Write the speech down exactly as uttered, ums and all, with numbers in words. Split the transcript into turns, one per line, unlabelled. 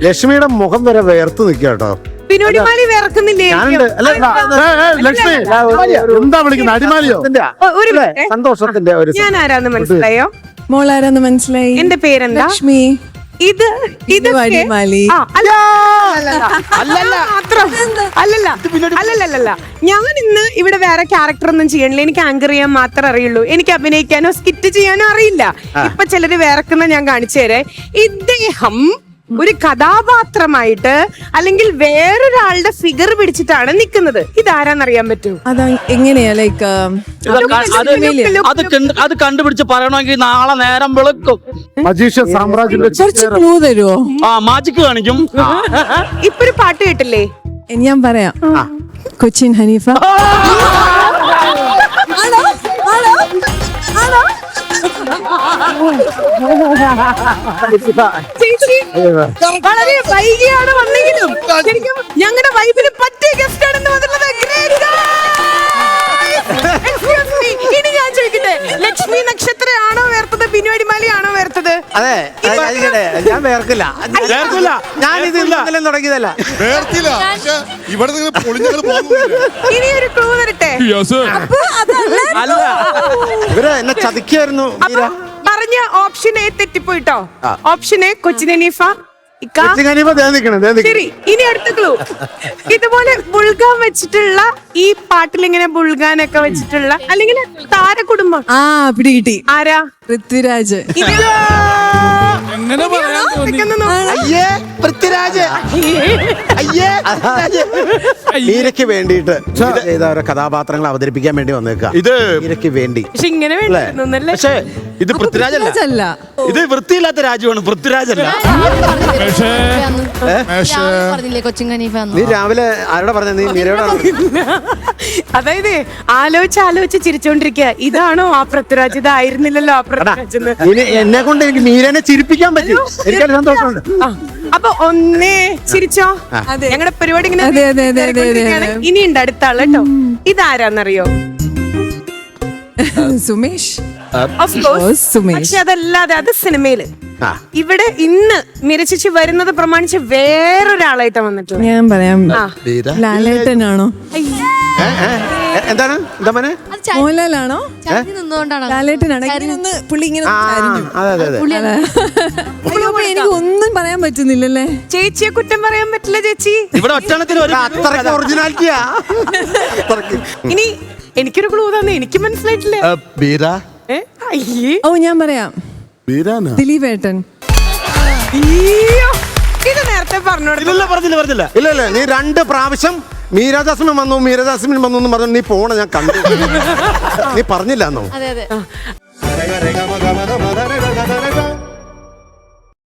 ലക്ഷ്മിയുടെ മുഖം വരെ വേർത്ത് നിൽക്കുക കേട്ടോ.
പിന്നോടിമാലി വിറക്കുന്നില്ലേ?
ലക്ഷ്മി എന്താ വിളിക്കുന്നത്? അടിമാലിയോ?
ഒരു മിനിറ്റ്.
സന്തോഷത്തിന്റെ ഒരു
ഞാൻ ആരാന്ന് മനസ്സിലായോ?
മോളാരാന്ന് മനസ്സിലായി.
എന്റെ പേരെന്താ?
ലക്ഷ്മി.
ഇത് ഇത്
അടിമാലി.
അല്ലല്ല അല്ലല്ല ഞാൻ ഇന്ന് ഇവിടെ വേറെ ക്യാരക്ടർ ഒന്നും ചെയ്യണില്ല. എനിക്ക് ആങ്കർ ചെയ്യാൻ മാത്രമേ അറിയുള്ളൂ. എനിക്ക് അഭിനയിക്കാനോ സ്കിറ്റ് ചെയ്യാനോ അറിയില്ല. ഇപ്പൊ ചിലര് വേറെക്കുന്ന ഞാൻ കാണിച്ചു തരേ. ഇദ്ദേഹം ഒരു കഥാപാത്രമായിട്ട് അല്ലെങ്കിൽ വേറൊരാളുടെ ഫിഗർ പിടിച്ചിട്ടാണ് നിൽക്കുന്നത്. ഇതാരാന്നറിയാൻ പറ്റൂ?
അതാ എങ്ങനെയാ ലൈക്ക്
അത് കണ്ടുപിടിച്ച് പറയണമെങ്കിൽ നാളെ നേരം വെളുക്കും.
മജീഷ്യൻ സാമ്രാജ്യത്തിന്റെ
കുറച്ച് ക്ലൂ തരുമോ?
ആ മാജിക് കാണിക്കും.
ഇപ്പൊ ഒരു പാട്ട് കേട്ടില്ലേ?
ഞാൻ പറയാം. കൊച്ചിൻ ഹനീഫ. ആണോ? ആണോ? ആണോ?
ചേച്ചി വളരെ വൈകിയാണ് വന്നെങ്കിലും ശരിക്കും ഞങ്ങളുടെ വൈബിന് പറ്റിയ ഗസ്റ്റ് ആണെന്ന് വന്നിട്ടുള്ളത്. ഇനി ഞാൻ ചോദിക്കട്ടെ, ലക്ഷ്മി നക്ഷത്രയാണോ വേർത്തത്, ബിനുവടിമാലി ആണോ വേർത്തത്?
അതെ, ഞാൻ വേർക്കില്ല. ഞാൻ ഇത് ഇന്നലെ തുടങ്ങിയതല്ല.
ഇനി ഒരു ക്ലൂ തരട്ടെ.
ഇവര് എന്നെ ചതിക്കായിരുന്നു.
പറഞ്ഞ ഓപ്ഷൻ എ തെറ്റിപ്പോയിട്ടോ. Option A Cochin Haneefa. ശരി, ഇനി അടുത്ത ക്ലൂ. ഇതുപോലെ ബുൾഗാൻ വെച്ചിട്ടുള്ള ഈ പാട്ടിൽ ഇങ്ങനെ ബുൾഗാനൊക്കെ വെച്ചിട്ടുള്ള അല്ലെങ്കിൽ താരകുടുംബം.
ആ പിടി കിട്ടി.
ആരാ?
പൃഥ്വിരാജ്.
അയ്യേ പൃഥ്വിരാജ്. അയ്യേ മീരയ്ക്ക് വേണ്ടിയിട്ട് ചെയ്ത ഓരോ കഥാപാത്രങ്ങൾ അവതരിപ്പിക്കാൻ വേണ്ടി വന്നേക്ക. ഇത് മീരയ്ക്ക് വേണ്ടി.
പക്ഷെ ഇങ്ങനെ വേണ്ടിയിരുന്നല്ലേ?
പക്ഷേ ഇത് പൃഥ്വിരാജല്ല, ഇത് വൃത്തിയില്ലാത്ത രാജുവാണ്. പൃഥ്വിരാജല്ല.
നീ രാവിലെ ആരോടെ പറഞ്ഞ? നീ മീരയോടാണ്.
അതായത് ആലോചിച്ച് ആലോചിച്ച് ചിരിച്ചോണ്ടിരിക്കുക. ഇതാണോ ആ പൃഥ്വിരാജ്? ഇതായിരുന്നില്ലല്ലോ ആ പൃഥ്വിരാജ്.
എന്നെ കൊണ്ട് എനിക്ക് മീരനെ ചിരിപ്പിക്കാൻ പറ്റും. എനിക്കത് സന്തോഷമുണ്ട്.
അപ്പൊ ഒന്നേ ചിരിച്ചോ. ഞങ്ങളുടെ പരിപാടി ഇങ്ങനെ ഇനി ഉണ്ട് അടുത്ത ആള് കേട്ടോ. ഇതാരാന്നറിയോ?
സുമേഷ്.
Of course. പക്ഷെ അതല്ലാതെ അത് സിനിമയില് ഇവിടെ ഇന്ന് മിരച്ചിച്ച് വരുന്നത് പ്രമാണിച്ച് വേറൊരാളായിട്ടാ വന്നിട്ടുള്ളത്.
ഞാൻ പറയാം. ലാലേട്ടനാണോ?
എന്താണ് എന്താ മോനെ?
മോഹൻലാലാണോ? ലാലേട്ടനാണോ? പുള്ളി ഇങ്ങനെ എനിക്ക് ഒന്നും പറയാൻ പറ്റുന്നില്ലല്ലേ.
ചേച്ചിയെ കുറ്റം പറയാൻ പറ്റില്ല ചേച്ചി.
ഇവിടെ ഒറ്റണത്തിന്
ഒറിജിനാലിറ്റിയാ.
ഇനി എനിക്കൊരു ക്ലൂ തന്നെ. എനിക്ക് മനസ്സിലായിട്ടില്ല.
ഓ ഞാൻ പറയാം. ദിലീപേട്ടൻ.
ഇത് നേരത്തെ പറഞ്ഞോളൂ.
പറഞ്ഞില്ല പറഞ്ഞില്ല
ഇല്ല ഇല്ല നീ രണ്ട് പ്രാവശ്യം മീരാജാസ്മിൻ വന്നു മീരാജാസ്മിൻ വന്നു എന്ന് പറഞ്ഞു. നീ പോണ ഞാൻ കണ്ടു. നീ പറഞ്ഞില്ലാന്നോ?